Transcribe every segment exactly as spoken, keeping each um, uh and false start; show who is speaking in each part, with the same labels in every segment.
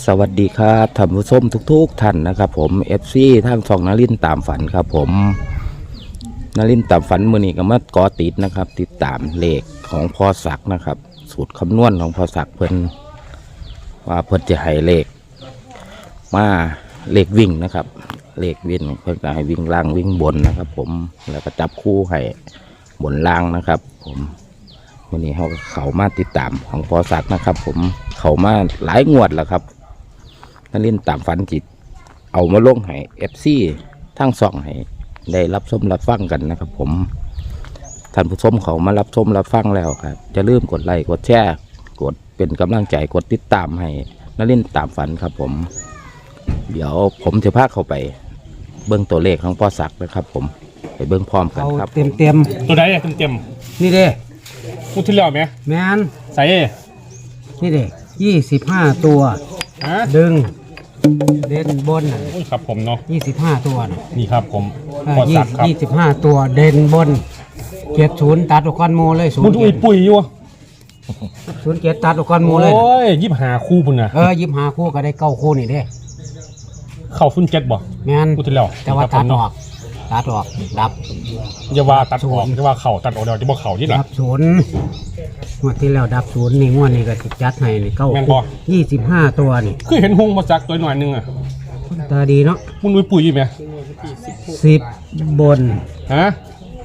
Speaker 1: สวัสดีครับท่านผู้ชมทุกๆท่านนะครับผม เอฟ ซี ทางช่องนรินทร์ตามฝันครับผมนรินทร์ตามฝันมือนี้ก็มาก่อติดนะครับติดตามเลขของพ่อศักดิ์นะครับสูตรคำนวณของพ่อศักดิ์เพิ่นว่าเพิ่นจะให้เลขมาเลขวิ่งนะครับเลขวิ่งเพิ่นก็ให้วิ่งล่างวิ่งบนนะครับผมแล้วก็จับคู่ให้บนล่างนะครับผมวันนี้เขาเขามาติดตามของพ่อศักดิ์นะครับผมเขามาหลายงวดแล้วครับนรินทร์ตามฝันจิตเอามาลงให้ เอฟ ซี ทั้งสองให้ได้รับชมรับฟังกันนะครับผมท่านผู้ชมเขามารับชมรับฟังแล้วครับจะลืมกดไลค์กดแชร์กดเป็นกำลังใจกดติดตามให้นรินทร์ตามฝันครับผมเดี๋ยวผมจะพาเข้าไปเบิ้งตัวเลขของพ่อศักดิ์นะครับผมไปเบิ้งพร้อมกันครับ
Speaker 2: เต็มเต็ม
Speaker 3: ตัวใดอะเต็มเต็ม
Speaker 2: ๆนี่เด้
Speaker 3: ๆพูดที่แล้วไหม
Speaker 2: แมน
Speaker 3: ใส่
Speaker 2: นี่เด้ยี่สิบห้าตัว
Speaker 3: ฮะ
Speaker 2: ดึงเด่นบนน่ะ
Speaker 3: อุ้ยครับผมเนาะ
Speaker 2: ยี่สิบห้าตัวน่ะ
Speaker 3: นี่ครับผม
Speaker 2: เออ
Speaker 3: พอ
Speaker 2: ยี่
Speaker 3: สักครับ
Speaker 2: ยี่สิบห้าตัวเด่นบนเจ็ดศูนย์ตัดอุกรโมเลยศูน
Speaker 3: มุน
Speaker 2: ย์
Speaker 3: อุ้ยปุ๋ยอยู่
Speaker 2: ศูนย์เจ็ดตัดอุกรโมเลย
Speaker 3: โอ้ยยิบหาคู่พุ่นนะ
Speaker 2: เออยิบหาคู่ก็ได้เก้าคู่นี่เด้
Speaker 3: เข้าฟุ้นเจ็ดบ่
Speaker 2: แมน
Speaker 3: พูดที่แล้ว
Speaker 2: แต่ว่าตัดออกตัดออกดับ
Speaker 3: อย่าว่าตัดออกอย่าว่าเข่าตัดออกเดี๋ยวจะบ่เข่าที่หลัง
Speaker 2: ดับศูนย์งวดที่แล้วดับศูนย์นี่งวดนี้ก็สิจัดให้นี่เก้า
Speaker 3: แม่น
Speaker 2: คู่
Speaker 3: บ่
Speaker 2: ยี่สิบห้าตัวนี่
Speaker 3: คือเห็นหงมาจากตัวหน่อยหนึงอ่ะ
Speaker 2: ตาดีเนาะ
Speaker 3: มุนอุ้ยปุ๋ยอยู่ไหม
Speaker 2: สิบบน
Speaker 3: ฮะ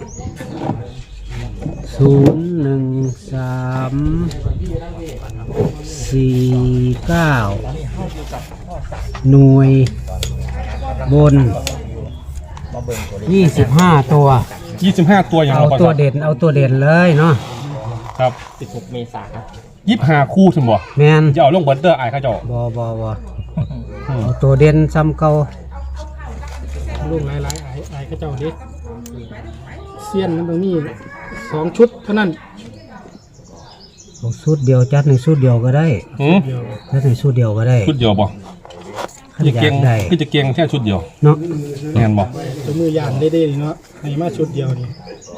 Speaker 2: ศูนย์หนึ่งสามสี่เก้าหน่วยบนยี่สิบห้าตัว
Speaker 3: ยี่สิบห้าตัวอย่าง
Speaker 2: เอา
Speaker 3: เราพอ
Speaker 2: ตัว
Speaker 3: สัก
Speaker 2: เด่นเอาตัวเด่นเลยเนาะ
Speaker 3: ครับสิบหกเมษายนยิบหาคู่ถึงบ่
Speaker 2: แมน
Speaker 3: จะเอาลงเบิร์ดเดอร์ไอ้ข้าเจ้า
Speaker 2: บอบอบอเอาตัวเด่นซ้ำเก่า
Speaker 4: ลุงหลายๆไอ้ไอ้ก็เจ้าเด็กเซียนมันตรงนี้สองชุดเท่านั้น
Speaker 2: เอาชุดเดียวจัดในชุดเดียวก็ได้
Speaker 3: หืม
Speaker 4: เดียว
Speaker 2: จัดในชุดเดียวก็ได้
Speaker 3: ชุดเดียวบ่
Speaker 2: ขัน
Speaker 3: จะ
Speaker 2: อยา
Speaker 3: เก่ง
Speaker 2: กได้
Speaker 3: คือจะเก่งแค่ชุดเดียว
Speaker 2: เนาะ
Speaker 3: แน่นบ่
Speaker 4: ตัวมือยานได้ได้เนาะให้มาชุดเดียวนี่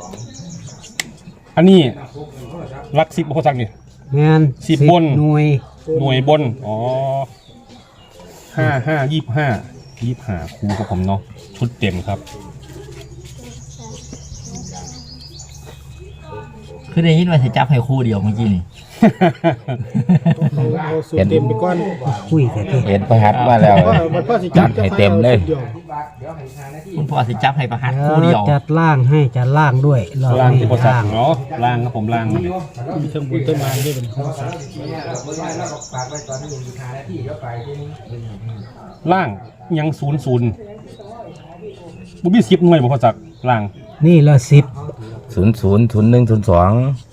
Speaker 3: อันนี้รักสิบพอสักนี่
Speaker 2: แมน
Speaker 3: สิบบน
Speaker 2: หน่วย
Speaker 3: หน่วยบน อ๋อห้าห้ายี่ห้ายี่ห้าครูกับผมเนาะ ชุดเต็มครับ
Speaker 5: คือได้ยินว่าจะจับให้คู่เดียวเมื่อกี้นี่
Speaker 4: เอาเอาสูตรเต็มไปก่อน
Speaker 2: คุยแต่ที่
Speaker 1: เห็นประหัดมาแล้ว
Speaker 4: เพราะมันพ่อสิ
Speaker 1: จัดให้เต็มเลย
Speaker 4: ชุดดีว
Speaker 5: คุณพ่อสิจับให้ประหัด
Speaker 2: เดี๋
Speaker 5: คู่
Speaker 2: ยว
Speaker 5: เดียว
Speaker 2: จัดล่างให้จัดล่างด้วยรอบ
Speaker 3: ล่าง
Speaker 2: นี้
Speaker 3: ที่พอสัก
Speaker 2: ล่าง
Speaker 3: เนาะล่างครับผมล่าง
Speaker 4: มีเครื่องบุญต้นไม้ด้วยเป็นของสัตว์
Speaker 3: ล่างยังศูนย์ศูนย์บุบี้สิบหน่วยบ่พอสักล่าง
Speaker 2: นี่ละสิบ
Speaker 1: ศูนย์ศูนย์ศูนย์หนึ่งศูนย์สอง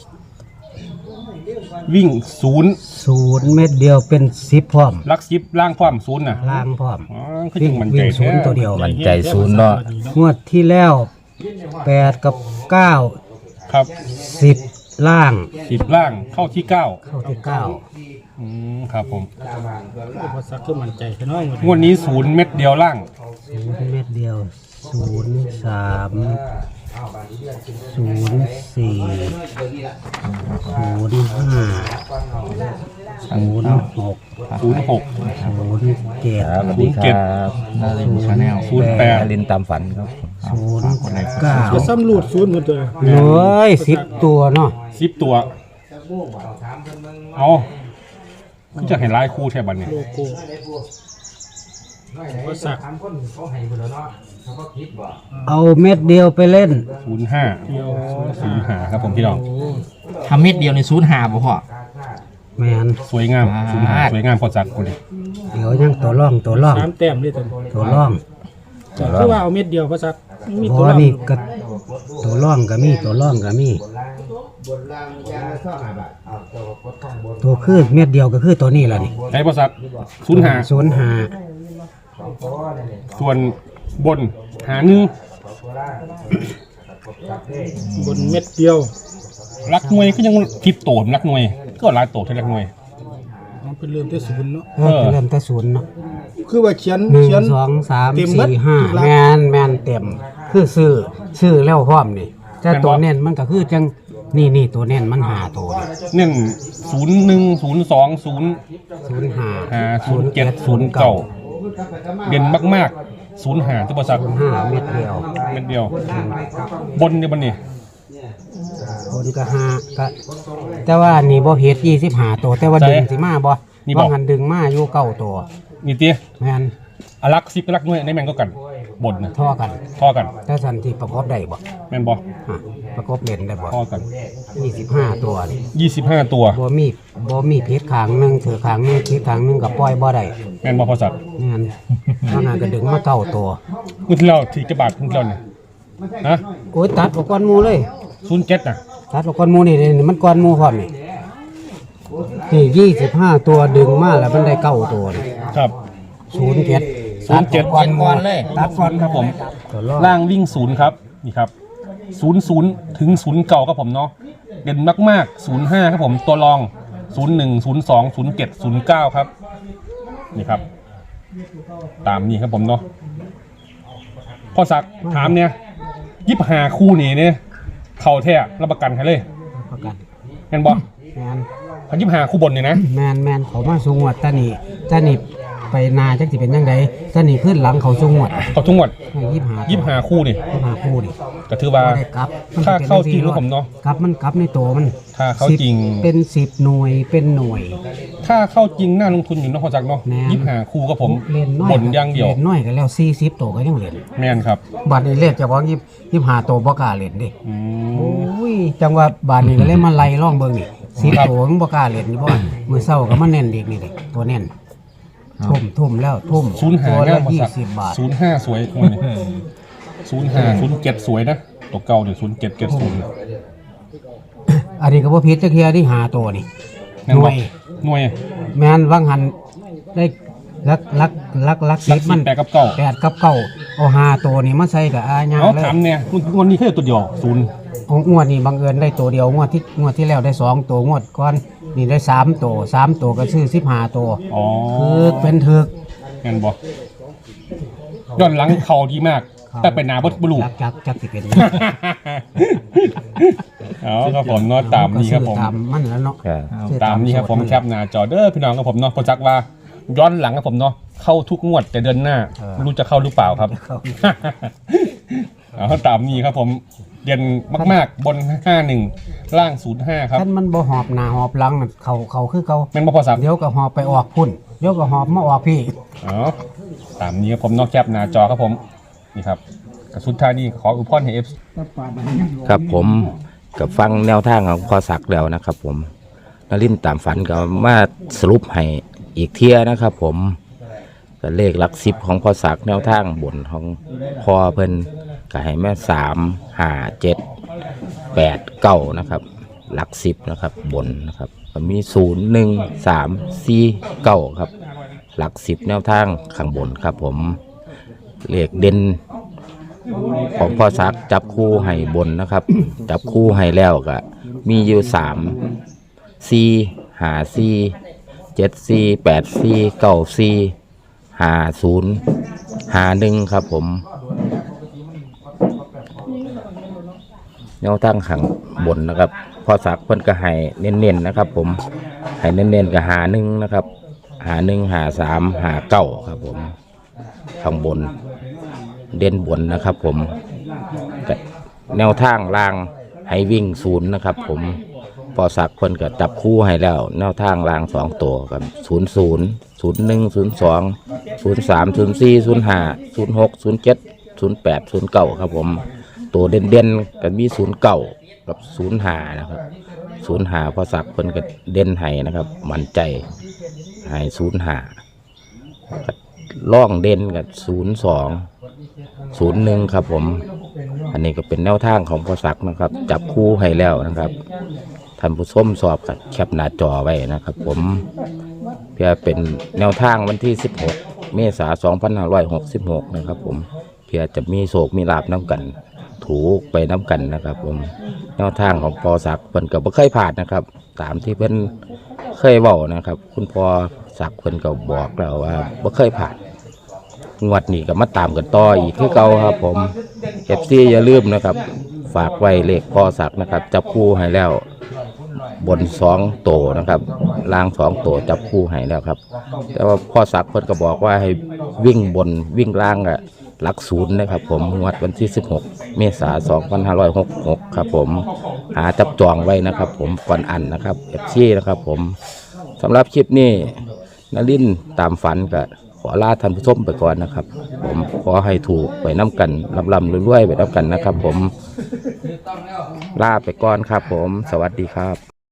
Speaker 3: วิ่งศูนย์
Speaker 2: ศูนย์เม็ดเดียวเป็นสิบพร้อม
Speaker 3: ลักสิบล่างพร้อมศูนย์น่ะ
Speaker 2: ล่างพร้อม
Speaker 3: อ๋อคือจังมันใจ
Speaker 2: วิ่งศูนย์ตัวเดียว
Speaker 1: มันใจศูนย์เนาะ
Speaker 2: งวดที่แล้วแปดกับเก้า
Speaker 3: ครับ
Speaker 2: สิบล่าง
Speaker 3: สิบล่างเข้าที่เก้า
Speaker 2: เข้าที่เก้า
Speaker 3: อืมครับผม
Speaker 4: พอสักคือมั่นใจแค่น้อยหมด
Speaker 3: งวดนี้ศูนย์เม็ดเดียวล่าง
Speaker 2: ศูนย์เม็ดเดียวศูนย์สามศูนย์สี่ศูนย์ห้าศูนย์หก
Speaker 3: ศูนย์หก
Speaker 2: ศูนย์เจ็ด
Speaker 1: ครับสวัสดีครับ
Speaker 3: ศูนย์แปด
Speaker 1: นรินทร์ตามฝันครับ
Speaker 2: ศูนย์เก้า
Speaker 4: จะซ้ำรูดศูนย์หมดเลย
Speaker 2: เลยสิบตัวเนาะ
Speaker 3: สิบตัว เอาคือจะเห็นลายคู่ใช่บันเนี่ย
Speaker 4: โลโก้พอสัก
Speaker 2: เอาเม็ดเดียวไปเล่น
Speaker 3: ศูนย์ห้าศูนย์ห้าครับผมพี่น้อง
Speaker 5: ทำเม็ดเดียวในศูนย์หาบ่พ่อ
Speaker 2: แมน
Speaker 3: สวยงามศูนย์ห้าสวยงามพอจักคนนี้
Speaker 2: เดี๋ยวยังตัวร่องตัวร่อง
Speaker 4: สามแต้มด้วยตัว
Speaker 2: ตัวร่อง
Speaker 4: คือว่าเอาเม็ดเดียวพอสักมี
Speaker 2: เพ
Speaker 4: ตัว
Speaker 2: ราะ
Speaker 4: รอง
Speaker 2: นี่ก็ตัวร่องก็มีตัวร่องก็มีตัวคือเม็ดเดียวก็คือตัวนี้แหละนี่
Speaker 3: ไอ้พอจักศูนย์ห้า
Speaker 2: ศูนย์หา
Speaker 3: ส่วนบนหาหนึ่ง
Speaker 4: บนเม็ดเดียว
Speaker 3: รักหน่วยก็ยังทิปโตนรักหน่วย ก็หลายโตที่รักหน่วย
Speaker 4: มันเป็นเริ่มที่ศูนย์เนาะ
Speaker 2: เออเริ่มแต่ศูนย์เนาะ
Speaker 4: คือว่าเขียน
Speaker 2: หนึ่ง
Speaker 4: เขียน
Speaker 2: สองสาม
Speaker 4: เต็มหมด
Speaker 2: สี่ห้า
Speaker 4: ทุกหลัก
Speaker 2: แมนแมนเต็ม คือซื้อซื้อแล้วพร้อมนี่แต่ตัวเน้นมันก็คือจังนี่นี่ตัวเน่นมันหาตัว
Speaker 3: เน้นศูนย์หนึ่งศูนย์สองศูนย์
Speaker 2: ศูนย์ห้า
Speaker 3: ห้าศูนย์เจ็ดศูนย์เก้าเด่นมากๆศูนย์ห้าที่บริษัท
Speaker 2: ศูนย์ห้าเม็ดเดียว
Speaker 3: เม็ดเดียว บนเนี่ยบันนี่
Speaker 2: คนก็ห้าก็แต่ว่านี่บ่เฮ็ดยี่สิบห้าตัวแต่ว่าดึงสิมาบ่
Speaker 3: นี่บ่
Speaker 2: ว่าหันดึงมาอยู่เก้าตัว
Speaker 3: นี่เตี้ย
Speaker 2: แม่น
Speaker 3: อลักซิบอลักหน่วยในแมงก็กันบนนะ
Speaker 2: ท่อกัน
Speaker 3: ท่อกัน
Speaker 2: ถ้าสันที่ประกอบได้บ่
Speaker 3: แมนบอ
Speaker 2: ฮะประกอบเล่นได้บ่
Speaker 3: ท่อกัน
Speaker 2: ยี่สิบห้าตัวนี่
Speaker 3: ยี่สิบห้าตัว
Speaker 2: บ่มีบ่มีเพชรขางหนึงถือขางหนึงเพชรขางหนึงก็ปล่อยบ่ได้
Speaker 3: แมนบอพอสัตว์
Speaker 2: แม่นเพราะนั้นก็ดึงมาเก้าตัว
Speaker 3: มือที่เราถือกระบาดมือที่เราเนี่ยนะ
Speaker 2: โอ้ยตัดออกก่อนหมู่เลย
Speaker 3: ศูนย์เจ็ดนะ
Speaker 2: ตัดออกก่อนหมู่นี่นี่มันก่อนหมู่พร้อมนี่นี่ยี่สิบห้าตัวดึงมาแล้วมันได้เก้าตัวนี่
Speaker 3: ครับ
Speaker 2: ศูนย์เจ็ด
Speaker 3: ศูนย์เจ็ด
Speaker 2: ก่อนหมู่ตัดก่อน
Speaker 3: ครับผม
Speaker 2: ตัวรอด
Speaker 3: ล่างวิ่งศูนย์ครับนี่ครับศูนย์ศูนย์ถึงศูนย์เก่าครับผมเนาะเด่นมากๆศูนย์ห้าครับผมตัวรองศูนย์หนึ่งศูนย์สองศูนย์เจ็ดศูนย์เก้าครับนี่ครับ ตามนี้ครับผมเนาะพ่อศักดิ์ถามเนี่ยยิบหาคู่นี้เนี่ยเข่าแท้รับประกันให้เลย
Speaker 2: ประกัน
Speaker 3: แมนบอ
Speaker 2: แมน
Speaker 3: พันยิบหาคู่บนเนี่ยนะ
Speaker 2: แมนแมนเขามาสูงวดตานี่ตานี่ไปนาจักสิเป็นยังไงตานี่ขึ้นหลังเขาสูงวด
Speaker 3: เขาทุกงวด
Speaker 2: ยี่หา
Speaker 3: ยิบหาคู่นี่
Speaker 2: ยี่หาคู่ดิ
Speaker 3: ก็ถือว่า
Speaker 2: บ่ได้กลับมัน
Speaker 3: ถ้า
Speaker 2: สิป็น
Speaker 3: เข้าจริง
Speaker 2: สี่
Speaker 3: รู้ผมเนาะ
Speaker 2: กลับมันกลับในตัวมัน
Speaker 3: ถ้าเข้า
Speaker 2: สิบ
Speaker 3: จริง
Speaker 2: เป็นสิบหน่วยเป็นหน่วย
Speaker 3: ถ้าเข้าจริงน่าลงทุนอยู่เนาะพ่อศักดิ์เนาะ
Speaker 2: แม่น
Speaker 3: ยิบหาคู่กับผม
Speaker 2: เล่นน้อย
Speaker 3: บนอย่างเดียว
Speaker 2: เล่นน้อยก็แล้วสี่สิบตัวก็ยังเล่น
Speaker 3: แมนครับ
Speaker 2: บัดนี้เล่นเฉพาะยี่ยี่หาตัวบ่กล้าเล่นดิ
Speaker 3: อื
Speaker 2: โอ้
Speaker 3: ม
Speaker 2: ยจังว่าบาดนี้ก็เลยมาไล่ร่องเบิ่งนี่สิบตัวมันบ่กล้าเล่นนี่บ่มื้อเช้าก็มาเน้นเด็กนี่เด็กตัวเน้นทุ่มทุ่มแล้วทุ่ม
Speaker 3: ศูนย์หา
Speaker 2: ตัว
Speaker 3: แน่
Speaker 2: ละ
Speaker 3: พ่อ
Speaker 2: ยี่
Speaker 3: ศักดิ์
Speaker 2: สิบบาท
Speaker 3: ศูนย์ห้าสวยคนนี้ศูนย์ห้าศูนย์เจ็ดสวยนะตัวเก่าเดี๋ยวศูนย์เจ็ดเจ็ดศูนย์
Speaker 2: อันนี้ก็บ่ผิดจักเที่ยที่หาตัวนี่
Speaker 3: แม่น
Speaker 2: หน่
Speaker 3: บ
Speaker 2: ว
Speaker 3: อย กหน่วย
Speaker 2: แม่นวังหันได้ลักลักลักลัก
Speaker 3: ลั
Speaker 2: สิ
Speaker 3: ก
Speaker 2: บ
Speaker 3: สิ
Speaker 2: มั
Speaker 3: บ
Speaker 2: น
Speaker 3: แปดกับเก้า
Speaker 2: แปดกับเก้าเอาหาตัวนี่มาใส่กับอาญา
Speaker 3: เอา
Speaker 2: เลย
Speaker 3: ถามเนี่ยวันนี้แค่ตัวเดียวศูนย์
Speaker 2: ของงวดนี่บังเอิญได้ตัวเดียวงวดที่งวดที่แล้วได้สองตัวงวดก่อนนี่ได้สามตัวสามตัวก็ซื้อสิบห้าตัว
Speaker 3: อ๋อ
Speaker 2: คือเป็นถึก
Speaker 3: แม่นบอกย้อนหลังเข่าดีมาก แต่เป็นหนาบดบลู
Speaker 2: จักจักจักสิเป็น
Speaker 3: เอาครับผมเนาะตามนี้ครับผม
Speaker 2: ตามมันแล้วเนาะ
Speaker 1: ครับ
Speaker 2: ซื้อ
Speaker 3: ตามนี้ครับผม
Speaker 2: สูต
Speaker 3: แคปหน้าจอเด้อพี่น้องครับผมเนาะพอจักว่าย้อนหลังครับผมเนาะเข้าทุกงวดแต่เดือนหน้าไม่รู้จะเข้าหรือเปล่าครับ
Speaker 2: เข้า
Speaker 3: เอาตามนี้ครับผมเด่นมากๆบนห้าหนึ่งล่างศูนย์ห้าครับ
Speaker 2: ท่านมันบ่หอบหน้าหอบหลังน่ะเขาเขาคือเขา
Speaker 3: แม่นบ่พอสัก
Speaker 2: เดี๋ยวก็หอบไปออกพุ่นเดี๋ยวก็หอบมาออกพี่
Speaker 3: อ๋อตามนี้ครับผมเนอกแคปหน้าจอครับผมนี่ครับกระสุดท้ายนี้ขออุปพรให้เอฟ
Speaker 1: ครับผมกับฟังแนวทางของพอศักดิ์แล้วนะครับ ผมนรินทร์ตามฝันก็มาสรุปให้อีกเที่ยนะครับ ผมก็เลขหลักสิบของพอศักดิ์แนวทางบนของพอเพิ่นก็ให้แม่สามห้าเจ็ดแปดเก้านะครับ หลักสิบนะครับบนนะครับก็มีศูนย์หนึ่งสามสี่เก้าครับ หลักสิบแนวทางข้างบนครับ ผมเลขเด่นของพ่อศักดิ์จับคู่ให้บนนะครับ จับคู่ให้แล้วก็มีอยู่สามสี่ห้าสี่เจ็ดสี่แปดสี่เก้าสี่ห้าศูนย์ห้าหนึ่งครับผมแนวตั้งขังบนนะครับพ่อศักดิ์เพิ่นก็ให้เน้นๆนะครับ ผมให้เน้นๆกับหาหนึ่งนะครับหาหนึ่งหาสามหาเก้าครับผมข้างบนเด่นบนนะครับ ผมแต่แนวทางล่างให้วิ่งศูนย์นะครับ ผมพอสักคนก็จับคู่ให้แล้ว แนวทางล่างสองตัวกับศูนย์ศูนย์ศูนย์หนึ่งศูนย์สองศูนย์สามศูนย์สี่ศูนย์ห้าศูนย์หกศูนย์เจ็ดศูนย์แปดศูนย์เก้าครับผมตัวเด่นเด่นๆก็มีศูนย์เก้ากับศูนย์ห้านะครับศูนย์ห้าพอสักคนก็เด่นให้นะครับ มั่นใจให้ศูนย์ห้าล่องเด่นกับศูนย์สองศูนย์หนึ่งครับผมอันนี้ก็เป็นแนวทางของพอศักดิ์นะครับ จับคู่ให้แล้วนะครับท่านผู้ชมสอบกับแคปหน้าจอไว้นะครับ ผมเพื่อเป็นแนวทางวันที่สิบหกเมษายนสองพันห้าร้อยหกสิบหกนะครับ ผมเพื่อจะมีโศกมีลาบน้ำกันถูกไปน้ำกันนะครับ ผมแนวทางของพอศักดิ์เพิ่นก็บ่เคยผ่านนะครับ ตามที่เพิ่นเคยเว้านะครับ คุณพอศักดิ์เพิ่นก็บอกแล้วว่าบ่เคยผ่านงวดนี้ก็มาตามกันต่ออีกคือเก่าครับ ผม เอฟ ซี อย่าลืมนะครับฝากไว้เลขพ่อศักดิ์นะครับจับคู่ให้แล้วบนสองโตนะครับล่างสองโตจับคู่ให้แล้วครับแต่ว่าพ่อศักดิ์เพิ่นก็บอกว่าให้วิ่งบนวิ่งล่างอะหลักศูนย์นะครับผมงวดวันที่สิบหกเมษายนสองพันห้าร้อยหกสิบหกครับผมหาจับจองไว้นะครับผมก่อนอันนะครับเอฟซีนะครับผมสำหรับคลิปนี้นลินทร์ตามฝันก็ขอลาท่านผู้ชมไปก่อนนะครับผมขอให้ถูกไปน้ำกันลำลำรวยๆไปน้ำกันนะครับผมลาไปก่อนครับผมสวัสดีครับ